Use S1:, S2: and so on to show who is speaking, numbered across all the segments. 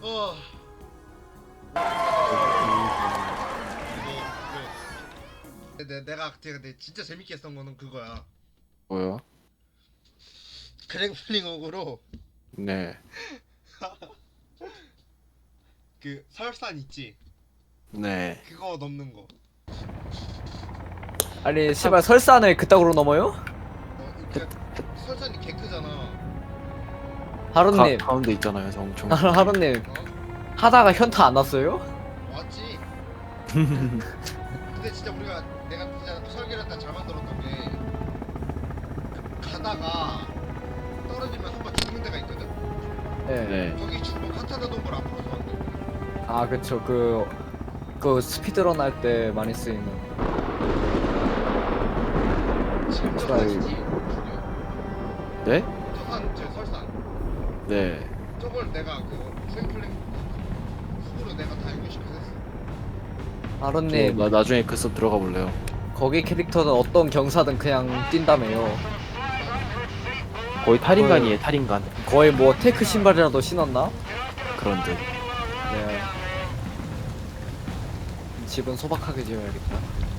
S1: 어. 내가 근데 진짜 재밌게 했던 거는 그거야.
S2: 뭐요?
S1: 그랭플링옥으로
S2: 네.
S1: 그 설산 있지.
S2: 네.
S1: 그거 넘는 거.
S3: 아니 씨발 설산을 그따구로 넘어요?
S1: 그 설산이 개 크잖아.
S3: 하루님
S2: 가운데 있잖아요, 엄청.
S3: 하루님
S1: 어?
S3: 하다가 현타 안 났어요?
S1: 맞지. 근데 진짜 내가 진짜 설계를 다 잘 만들었던 게 가다가 떨어지면 한 번 죽는 데가 있거든.
S3: 네.
S2: 네.
S1: 거기 죽으면 카타나 동굴 앞으로서 안 돼.
S3: 아 그쵸 그 스피드런 할 때 많이 쓰이는.
S1: 지금 저
S3: 제발.
S1: 산이지.
S2: 네?
S1: 저산 저 설산.
S2: 네.
S1: 저걸 내가 그 트램플링 훅으로 내가 다 연구시켜서 했어.
S3: 하루님
S2: 나중에 그 숲 들어가 볼래요.
S3: 거기 캐릭터는 어떤 경사든 그냥 뛴다며요.
S2: 거의 탈인간이에요, 탈인간.
S3: 거의 뭐 테크 신발이라도 신었나?
S2: 그런 듯.
S3: 네. 집은 소박하게 지어야겠다.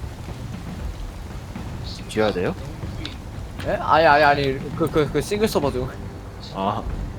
S2: 집 지어야 돼요?
S1: 영구이.
S3: 예? 아니 그 싱글 서버 중.
S2: 아,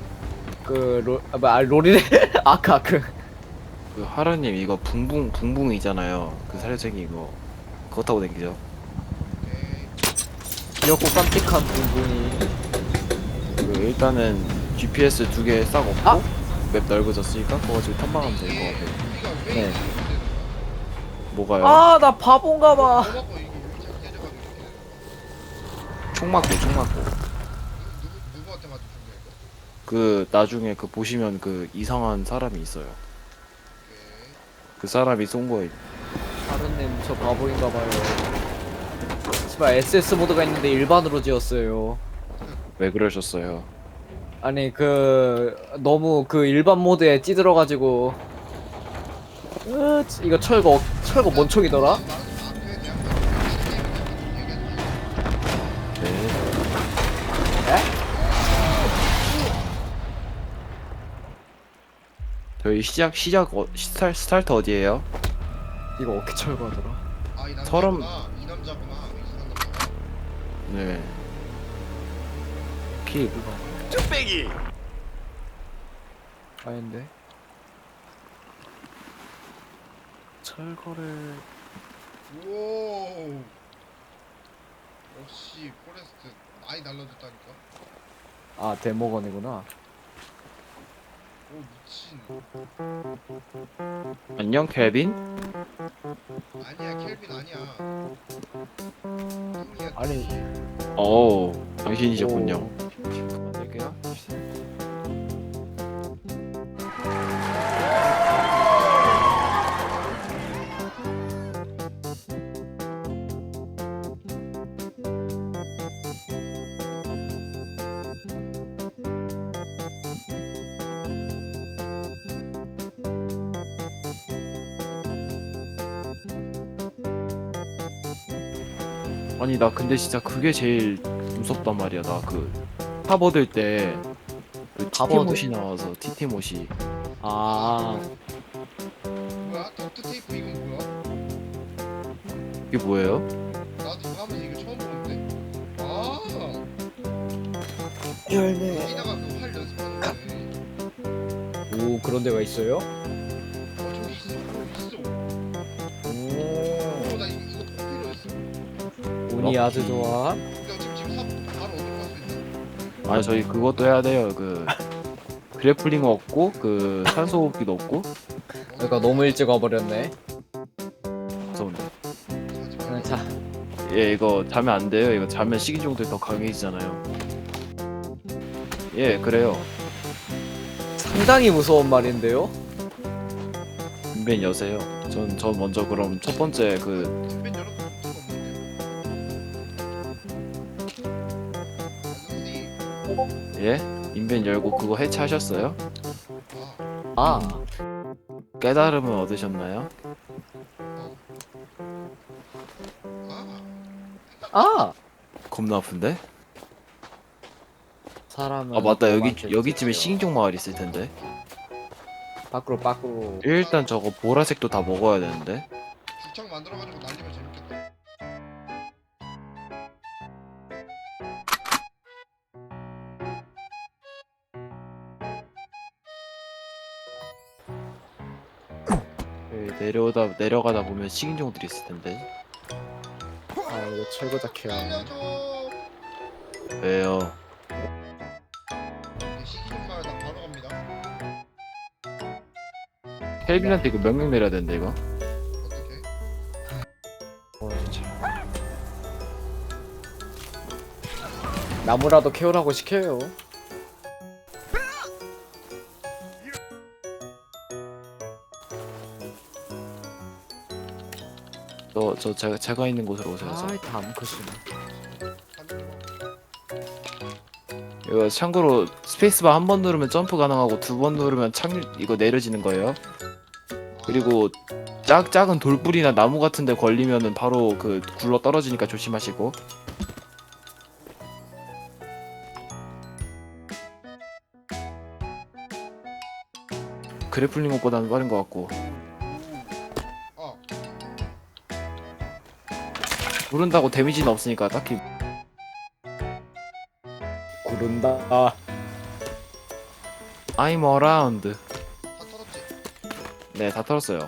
S3: 롤이네. 아까
S2: 그 하라님 이거 붕붕이잖아요. 그 사료쟁이 이거. 그거 타고 댕기죠.
S1: 오케이.
S3: 귀엽고 깜찍한 부분이.
S2: 그 일단은 GPS 2개 싹 없고
S3: 아!
S2: 맵 넓어졌으니까 그거 가지고 탐방하면 될 것
S1: 이게
S2: 같아요.
S1: 우리가 왜
S3: 네.
S1: 이렇게 되는 거야?
S2: 뭐가요?
S3: 아 나 바본가 봐.
S1: 뭐 먹고 이게 왜 자꾸 깨져가지고 이렇게 되는 거야?
S2: 총 맞고.
S1: 누구한테 맞은 중이야 이거?
S2: 그 나중에 그 보시면 그 이상한 사람이 있어요.
S1: 오케이.
S2: 그 사람이 쏜 거예요.
S3: 하루님 저 바보인가 봐요. 씨발 SS 모드가 있는데 일반으로 지었어요.
S2: 왜 그러셨어요?
S3: 아니 너무 그 일반 모드에 찌들어가지고. 이거 철거 뭔 총이더라?
S1: 나는 마크에 대한 거 얘기하지 마.
S2: 네.
S3: 에?
S2: 저희 스타트 어디에요?
S3: 이거 어떻게 철거하더라?
S1: 아, 이
S2: 서름-
S1: 남자구나. 이 남자구나. 이상한 남자가.
S2: 네. 키 뚝배기.
S3: 아닌데. 철거를
S1: 오. 역시 포레스트 많이 날라줬다니까.
S3: 아 데모건이구나.
S1: 오 미친.
S2: 안녕 켈빈?
S1: 아니야 켈빈 아니야. 뚱이야.
S3: 아니
S2: 오, 당신이셨군요.
S3: 오. 만들게요.
S2: 아니 나 근데 진짜 그게 제일 무섭단 말이야. 나 그 탑 얻을 때그
S3: 탑
S2: 티티못이 나와서 티티못이.
S3: 아
S1: 뭐야? 덕트 테이프 이건 뭐야?
S2: 이게 뭐예요?
S1: 나도 이거 하면서 이거 처음 보는데. 아.
S3: 열네.
S1: 여기다가 그 활 연습하는 거네.
S3: 오 그런 데가 있어요?
S1: 저기 있어. 있어.
S3: 오
S1: 나 이거 꼭 필요했어.
S3: 운이 아주 좋아.
S1: 근데 지금 삽 바로 얻으러 갈 수 있나?
S2: 아니 저희 그것도 해야 돼요. 그 그래플링 얻고 그 산소 호흡기도 얻고.
S3: 그러니까 너무 일찍 와버렸네.
S2: 무서운데.
S3: 자
S2: 예, 이거 자면 안 돼요. 이거 자면 식이종들이 더 강해지잖아요. 예, 그래요.
S3: 상당히 무서운 말인데요.
S2: 인벤 여세요. 전 먼저 그럼 첫 번째 그
S1: 뒷면 열어도 문제가 없는데.
S2: 예? 인벤 열고 그거 해체하셨어요?
S1: 아,
S3: 아
S2: 깨달음을 얻으셨나요?
S1: 아,
S3: 아.
S2: 겁나 아픈데?
S3: 사람은
S2: 아 맞다
S3: 그만큼
S2: 여기쯤에
S3: 지켜요.
S2: 식인종 마을 있을 텐데.
S3: 밖으로.
S2: 일단 저거 보라색도 다 먹어야 되는데.
S1: 죽창 만들어가지고 날리면 재밌겠다.
S2: 내려가다 보면 식인종들이 있을 텐데.
S3: 아 이거 철거작 해야 하네.
S1: 살려줘.
S2: 왜요?
S1: 시기좀 마을 나 바로 갑니다.
S2: 켈빈한테 이거 명령 내려야 되는데 이거.
S1: 어떻게?
S2: 진짜.
S3: 나무라도 캐오라고 시켜요.
S2: 제가 있는 곳으로 오세요.
S3: 아이 다음 컷이네.
S2: 이거 참고로 스페이스바 한 번 누르면 점프 가능하고 두 번 누르면 이거 내려지는 거예요. 그리고 작은 돌뿌리나 나무 같은데 걸리면은 바로 그 굴러 떨어지니까 조심하시고. 그래플링 것보다는 빠른 것 같고.
S1: 어.
S2: 누른다고 데미지는 없으니까 딱히.
S3: 구른다.
S2: I'm around.
S1: 다 털었지?
S2: 네, 다 털었어요.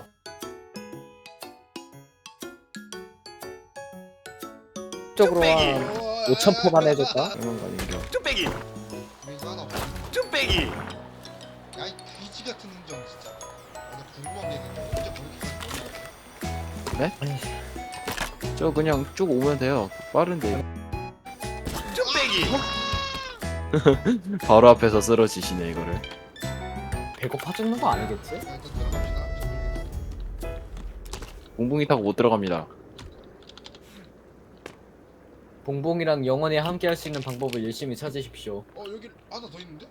S3: 쪽으로 한 5,000포만 해줄까?
S2: 이런 거 아닌가?
S4: 뚝배기
S1: 민수 하나 없어.
S4: 뚝배기
S1: 야이 귀지 같은 인정 진짜. 나 궁금한 게 있는데 언제 그렇게
S2: 네? 저 그냥 쭉 오면 돼요. 빠른데.
S4: 뚝배기
S2: 바로 앞에서 쓰러지시네 이거를.
S3: 배고파 죽는 거 아니겠지?
S1: 일단 들어갑시다.
S2: 붕붕이 타고 못 들어갑니다.
S3: 봉봉이랑 영원히 함께 할 수 있는 방법을 열심히 찾으십시오.
S1: 여기 하나 더 있는데?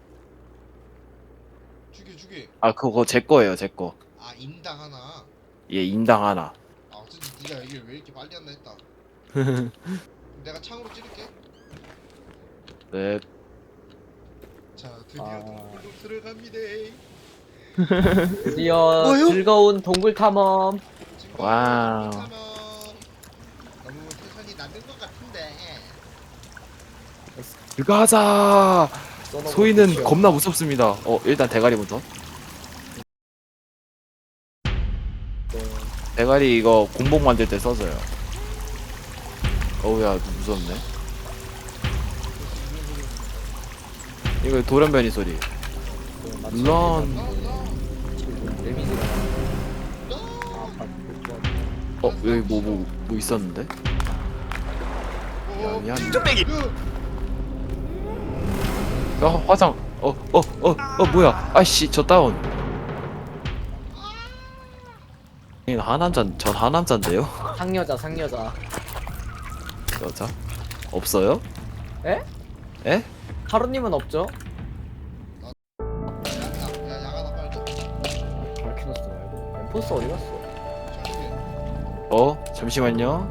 S1: 죽여.
S2: 아 그거 제 거예요, 제 거.
S1: 아 인당 하나.
S2: 얘 인당 하나.
S1: 아 어쩐지 네가 이게 왜 이렇게 빨리 한다 했다. 내가 창으로 찌를게.
S2: 네.
S1: 자 드디어
S3: 아.
S1: 동굴로 들어갑니다.
S3: 드디어
S2: 뭐요?
S3: 즐거운 동굴 탐험.
S2: 와우.
S1: 너무 텐션이 낮은 것 같은데.
S2: 들어가자.
S3: 써놓은
S2: 소희는
S3: 거
S2: 겁나 무섭습니다. 일단 대가리부터. 대가리 이거 공복 만들 때 써줘요. 어우야 무섭네. 이거 돌연변이 소리. 런.
S3: 데미지가
S2: 여기 뭐 있었는데? 미안.
S4: 뚝배기
S2: 화상. 뭐야? 아이씨 저 다운. 전 하남자인데요?
S3: 상여자.
S2: 여자? 없어요?
S3: 에?
S2: 에?
S3: 하루님은 없죠?
S1: 야 야가나 빨리 줘.
S3: 밝혀놨어 말고. 엠포스 어디 갔어?
S2: 잠시만요.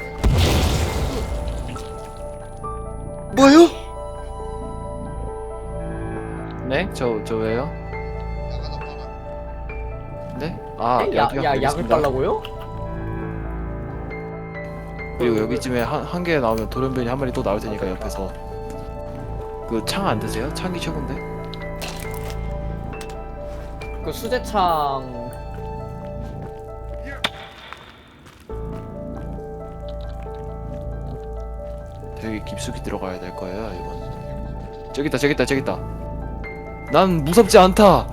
S1: 뭐요?
S2: 네? 저 왜요?
S1: 야가나 빨아.
S2: 네?
S3: 약을 빨라고요?
S2: 그리고 여기쯤에 한 개 나오면 돌연변이 한 마리 또 나올 테니까 옆에서. 그 창 안 드세요? 창이 최고인데?
S3: 그 수제창
S2: 되게 깊숙이 들어가야 될 거예요 이건. 저기 있다. 난 무섭지 않다.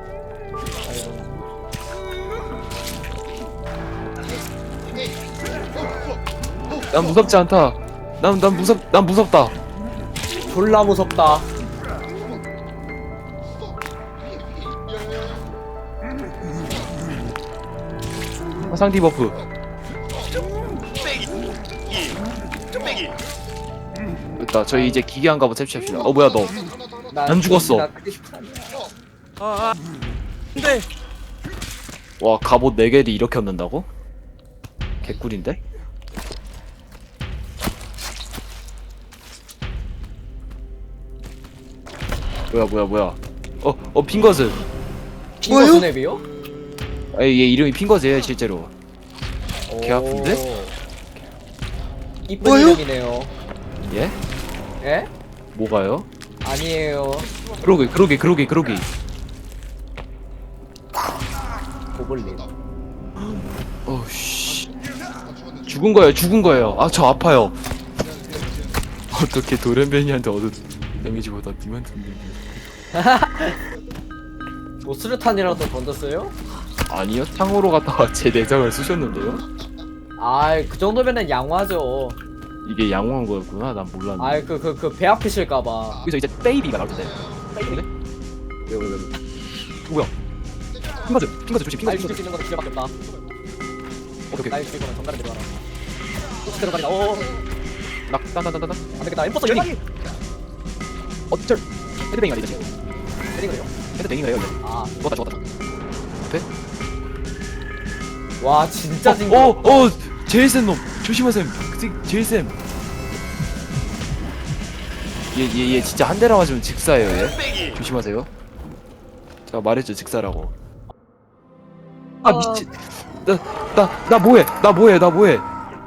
S1: 에이.
S2: 난 무섭지 않다. 난 무섭다.
S3: 졸라 무섭다.
S2: 화상 디버프.
S4: 뚝배기
S2: 됐다. 저희 이제 기괴한 갑옷 채취합시다. 뭐야 너? 안 죽었어.
S3: 나 그게 쉽지 않냐.
S4: 안돼
S2: 와 갑옷 4개를 이렇게 얻는다고? 개꿀인데? 뭐야 빈 것은
S3: 핑거 스냅이요?
S2: 아, 얘 이름이 핑거즈예요 실제로. 개 아픈데?
S3: 오. 이쁜 이름이네요.
S2: 예?
S3: 예?
S2: 뭐가요?
S3: 아니에요.
S2: 그러게.
S3: 고블린.
S2: 어씨.
S1: 나 죽었네.
S2: 죽은 거예요. 아, 저 아파요. 어떻게 도련변이한테 얻은 데미지보다 님한테 얻는
S3: 뭐 수류탄이라도 던졌어요?
S2: 아니요, 탕으로 갔다가 제 내장을 쑤셨는데요?
S3: 아이 그 정도면은 양화죠.
S2: 이게 양호한 거였구나. 난 몰랐네.
S3: 아이 그 배 아프실까봐.
S2: 여기서 이제 베이비가 나올 텐데. 베이비네? 왜? 뭐야? 핑거즈 조심.
S3: 날 죽일 수 있는 건 기회밖에 없다.
S2: 오케이.
S3: 날 죽일 거면 정갈을 들어가라. 혹시 들어가니까 오.
S2: 나.
S3: 안 되겠다. 엠포서 열리.
S2: 어쩔. 헤드뱅이가 되지.
S3: 때리고요.
S2: 헤드뱅이가 해요.
S3: 아.
S2: 죽었다. 돼?
S3: 와 진짜 징그럽다.
S2: 제일 센 놈. 조심하셈. 제일 쌤. 얘 진짜 한 대라 맞으면 직사예요. 얘.
S4: 뚝배기
S2: 조심하세요. 제가 말했죠 직사라고. 아 미친. 나 뭐해?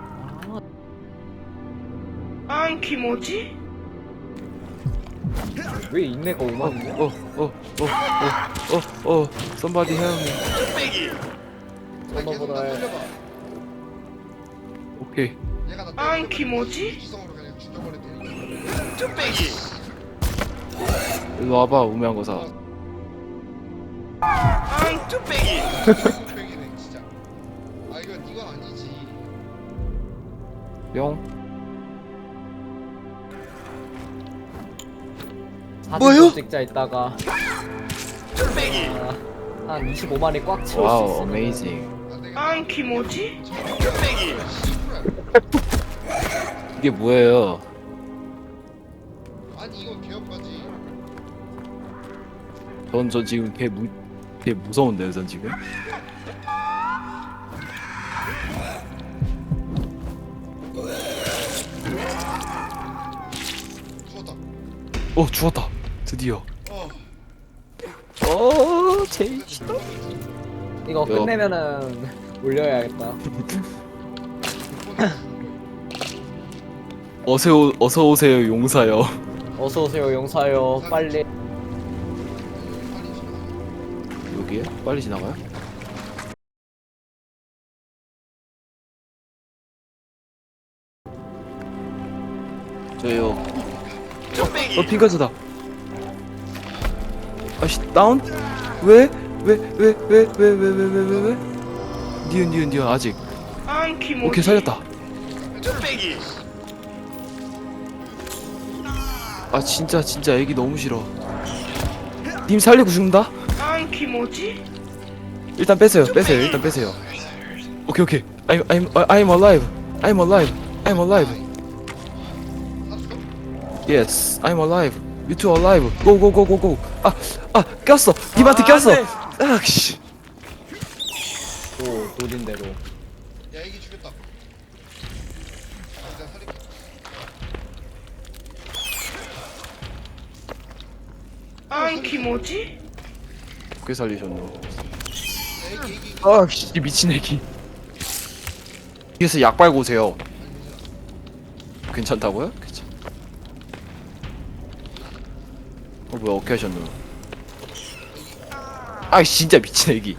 S4: 안 키모지
S3: 왜 인내가 오만이냐?
S2: somebody help me.
S4: 뚝배기
S1: 나 계속 나 살려봐.
S2: 오케이.
S1: 얘가 나
S4: 안
S1: 때리면
S4: 키모지
S1: 이성으로 그냥 죽여버려 때리고.
S4: 뚝배기
S2: 일로 와봐 우매한 거사.
S4: 안 뚝배기
S1: 뺑이네 진짜. 아 이건 아니지.
S2: 뿅.
S3: 사진 찍자 있다가
S4: 뚝배기
S3: 한 25만이 꽉 채울 수
S2: 와우
S3: 있어.
S2: 어메이징.
S1: 안 되겠다.
S4: 안 키모지 뚝배기
S2: 이게 뭐예요?
S1: 아니 이건 개업까지.
S2: 전 지금 개 무서운데요 전 지금.
S1: 죽었다.
S2: 죽었다. 드디어.
S3: 제일 싫어. 이거 끝내면은 올려야겠다.
S2: 어서 오세요 용사요.
S3: 어서 오세요 용사요. 빨리.
S2: 여기에 빨리 지나가요? 저요.
S4: 뚝배기
S2: 핑거즈다. 아씨 다운? 왜? 니은 아직.
S4: 안 키모지
S2: 오케이 살렸다.
S4: 뚝배기
S2: 아 진짜 애기 너무 싫어. 님 살리고 죽는다?
S4: 안 키모지
S2: 일단 빼세요. 일단 빼세요. 오케이. I'm alive. Yes, I'm alive. You two alive. Go. 꼈어. 님한테 꼈어. 아, 씨.
S3: 오 노린 대로.
S1: 야 이게 죽였다. 아, 내가 살릴게.
S4: 안 키모지
S2: 어떻게 살리셨노?
S1: 야, 애기.
S2: 아, 씨, 미친 애기. 뒤에서 약 빨고 오세요. 괜찮다고요? 괜찮. 뭐야 어떻게 하셨노? 아, 진짜 미친 애기.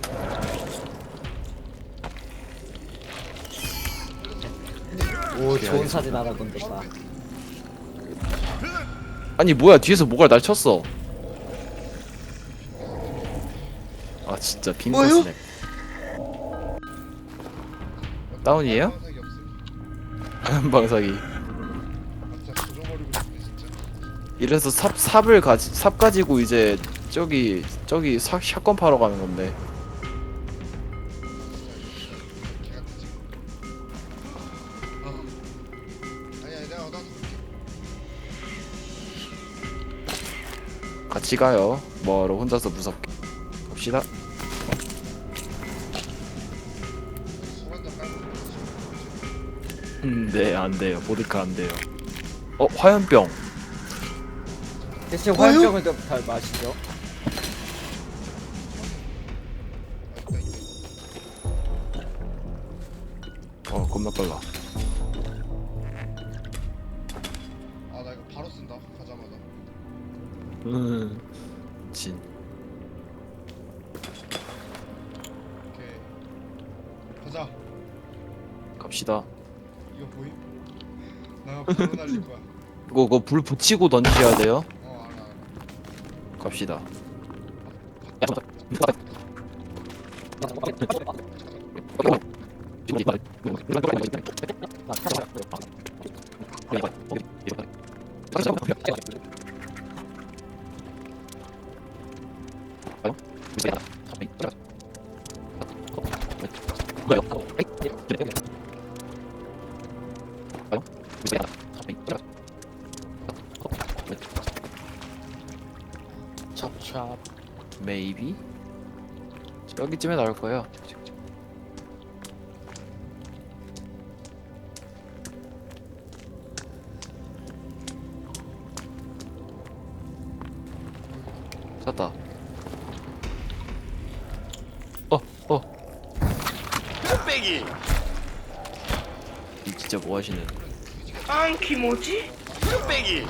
S3: 오 좋은 사진 하나 건졌다.
S2: 아니 뭐야 뒤에서 뭐가 날 쳤어. 아 진짜 빈거 스냅. 다운이에요?
S1: 방석이 없음.
S2: 방사기.
S1: 진짜 조져버리고 싶네 진짜.
S2: 이래서 삽 가지고 이제 저기 샷건 파러 가는 건데.
S1: 개 같지. 아니야 내가 얻어서 줄게.
S2: 같이 가요. 뭐하러 혼자서 무섭게. 갑시다.
S1: 술 한잔 깔고.
S2: 네, 안 돼요. 보드카 안 돼요. 화염병.
S3: 대신 화염병을 좀 잘 마시죠.
S2: 겁나 빨라.
S1: 아 나 이거 바로 쓴다 가자마자.
S2: 진.
S1: 오케이 가자.
S2: 갑시다.
S1: 이거 보임? 나 바로 날릴 거야.
S2: 그거 불 붙이고 던지셔야 돼요.
S1: 알아 알아.
S2: 갑시다.
S3: 찹찹.
S2: Maybe 여기쯤에 나올 거예요. 샀다.
S4: 뚝배기.
S2: 이 진짜 뭐 하시는?
S4: 안 키모지? 뚝배기.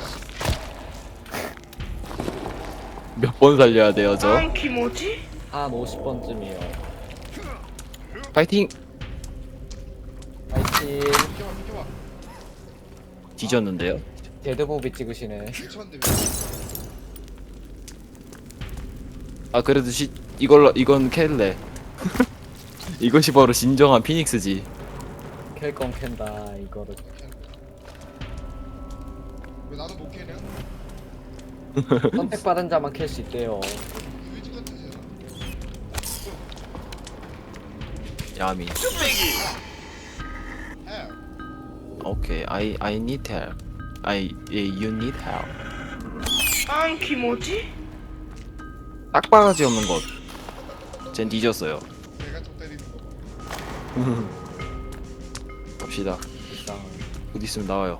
S2: 몇 번 살려야 돼요, 저?
S4: 안 키모지?
S3: 한 50번쯤이요.
S2: 파이팅!
S3: 파이팅.
S1: 비켜봐.
S2: 뒤졌는데요?
S3: 데드무비 찍으시네.
S1: 미쳤는데
S2: 아 그래도 이건 캘래. 이것이 바로 진정한 피닉스지.
S3: 캘건 캔다 이거를.
S1: 왜 나도 못 캐냐?
S3: 선택받은 자만 캘 수 있대요.
S1: 유이지 같은 세상.
S2: 야미.
S4: 뚝배기.
S1: 헬.
S2: 오케이. I need help. You need help.
S4: 안 키모지?
S2: 딱바가지 없는 것. 쟨 뒤졌어요.
S1: 내가 좀 때리는 거.
S2: 갑시다.
S3: 일단
S2: 어디 있으면 나와요.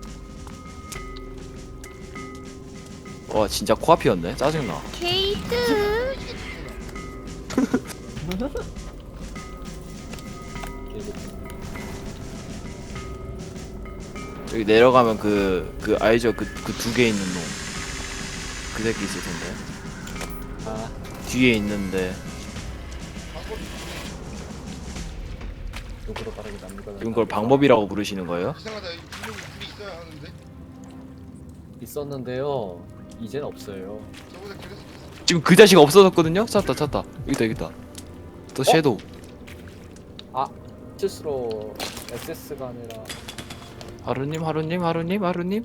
S2: 와 진짜 코앞이었네. 짜증나.
S1: 유이지 같은 세상.
S2: 여기 내려가면 그 알죠? 그 두 개 있는 놈. 그 새끼 있을 텐데.
S3: 아
S2: 뒤에 있는데
S3: 욕으로 빠르게 남기가.
S2: 이건 걸 방법이라고 부르시는 거예요?
S1: 이상하다. 이 분명히 불이 있어야 하는데.
S3: 있었는데요. 이젠 없어요.
S1: 저번에 그래서
S2: 지금 그 자식 없어졌거든요? 찾다. 여기다. 또 섀도우.
S3: 아 실수로 SS가 아니라
S2: 하루님.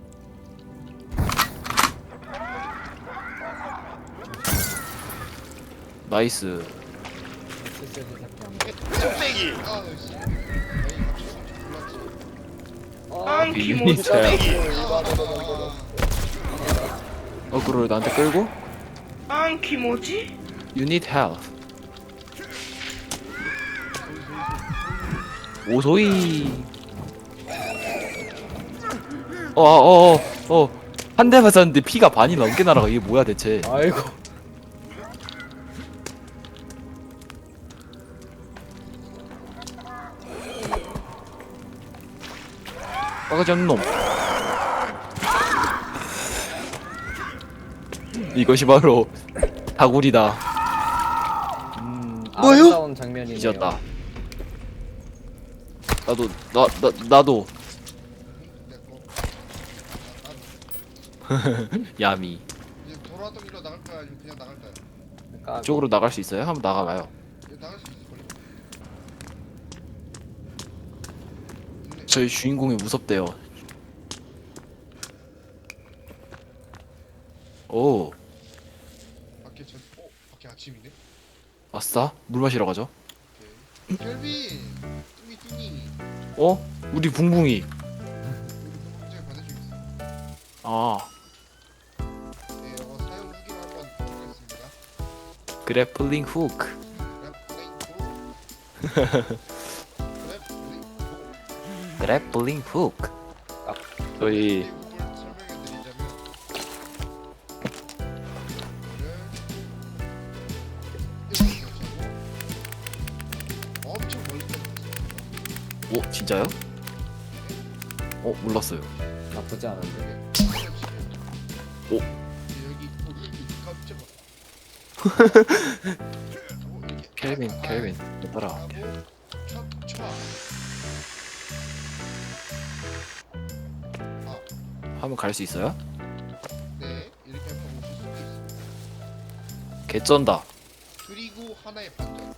S2: 나이스.
S3: SS를 생각하면.
S4: 뚝배기.
S1: 아 씨. 에이 갑자기 몰랐지.
S4: 안
S2: 유닛
S4: 키모지?
S2: 헬.
S1: 아.
S2: 그걸 나한테 끌고?
S4: 안 키모지?
S2: You need help. 오소이. 한 대 맞았는데 피가 반이 넘게 날아가. 이게 뭐야 대체?
S3: 아이고.
S2: 빠가지 않는 놈. 이것이 바로 다구리다. 뭐요?
S3: 아름다운 장면이네요.
S2: 잊었다. 나도 야미.
S1: 이제 돌아왔던 길로 나갈 거야 아니면 그냥 나갈 거야?
S3: 그러니까
S2: 이쪽으로 나갈 수 있어요? 한번 나가봐요.
S1: 이제 나갈 수 있을 걸요.
S2: 저희 주인공이 무섭대요. 오,
S1: 밖에 아침이네.
S2: 아싸. 물 마시러 가죠.
S1: 오케이. 켈빈, 뚱이.
S2: 우리 붕붕이.
S1: 굉장히 반대쪽 있어.
S2: 아,
S1: 네, 이거 사용 후기를 한번 보겠습니다.
S2: 그래플링 후크. 그래플링 후크. 저희
S1: 설명해 드리자면 엄청 멀리 떨어졌어요.
S2: 오 진짜요? 몰랐어요.
S3: 나쁘지 않은데.
S2: 오.
S1: 여기 깜짝아.
S2: 켈빈 따라.
S1: 촥촥.
S2: 하면 갈 수 있어요?
S1: 네, 이렇게 하면 오실 수도 있습니다.
S2: 개쩐다.
S1: 그리고 하나의 반전.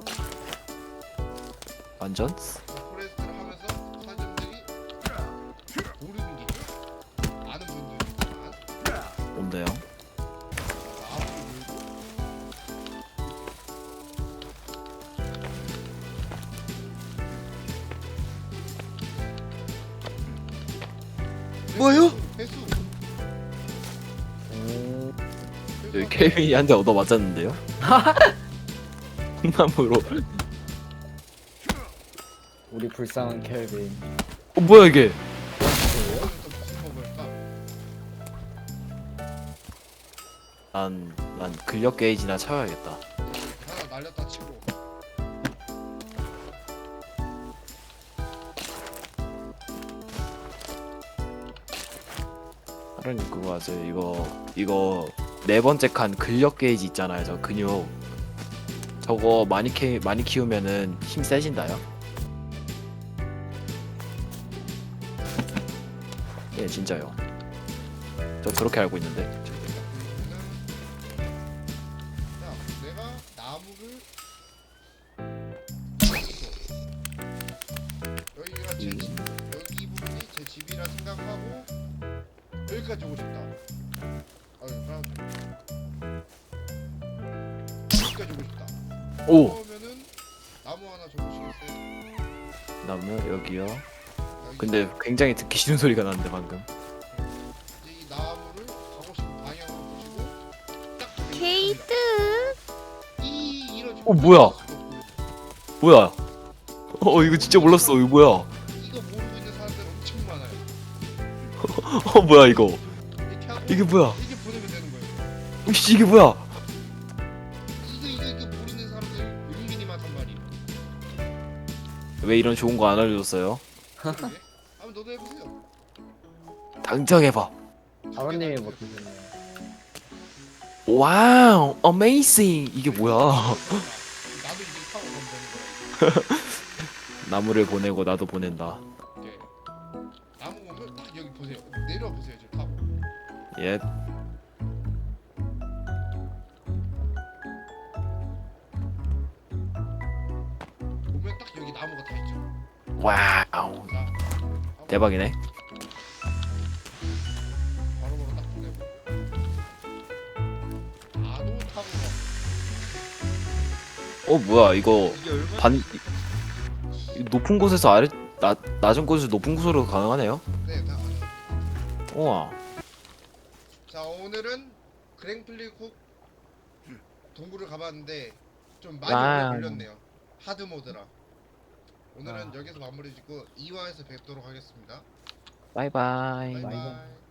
S2: 완전?
S1: 포레스트를 하면서 사람들이 모르는 게 아는 분들이지만
S2: 뭔데요?
S1: 마음을 열고
S2: 뭐요?
S1: 회수.
S3: 오.
S2: 여기 켈빈이 한 대 얻어 맞았는데요? 콩나무로.
S3: 우리 불쌍한 켈빈.
S2: 뭐야 이게?
S1: 또 무슨 먹을까?
S2: 난 근력 게이지나 채워야겠다.
S1: 하나 날렸다 치고.
S2: 하루님 그거 아세요? 이거 네 번째 칸 근력 게이지 있잖아요. 저 근육. 저거 많이 키우면은 힘 세진다요? 예 진짜요. 저 그렇게 알고 있는데.
S1: 자, 내가 나무를 여기가 제 집, 여기 부분이 제 집이라 생각하고 여기까지 오고 싶다. 그럼 여기까지 오고 싶다.
S2: 오
S1: 그러면은 나무 하나 줘보시겠어요?
S2: 나무 여기요.
S1: 여기
S2: 근데 굉장히 듣기 싫은 소리가 났는데 방금.
S1: 이제 이 나무를 가고 싶은 방향으로 보시고 딱 보시면
S4: 게이트.
S1: 이 이런
S2: 뭐야? 뭐야? 이거 진짜 몰랐어. 이거 뭐야?
S1: 이거 모르고 있는 사람들 엄청 많아요.
S2: 뭐야 이거?
S1: 이렇게 하고
S2: 이게 뭐야?
S1: 이렇게 보내면 되는 거예요.
S2: 혹시 이게 뭐야?
S1: 이거 모르는 사람들 은근히 많단 말이에요.
S2: 왜 이런 좋은 거 안 알려줬어요?
S1: 그러게. 한번 너도 해보세요.
S2: 당장 해봐.
S3: 아버님이 못하셨네요.
S2: 와우, 어메이징. 이게 뭐야?
S1: 나도 이제 타고 가면 되는 거야.
S2: 나무를 보내고 나도 보낸다.
S1: 이렇게. 나무 오면 딱 여기 보세요. 내려와 보세요. 지금 타고.
S2: 예.
S1: 보면 딱 여기 나무가 다 있죠.
S2: 와우.
S1: 자, 하고
S2: 대박이네.
S1: 바로바로 딱 보내고. 나도 타고 가.
S2: 뭐야 이거
S1: 이게 얼마?
S2: 높은 곳에서 낮은 곳에서 높은 곳으로 가능하네요.
S1: 네, 다.
S2: 우와.
S1: 자, 오늘은 그랭플리국 동굴을 가봤는데 좀 많이 오래
S2: 와우.
S1: 걸렸네요. 하드 모드라. 오늘은 여기서 마무리 짓고 2화에서 뵙도록 하겠습니다.
S2: 바이바이.
S1: 바이바이.
S3: 바이바이.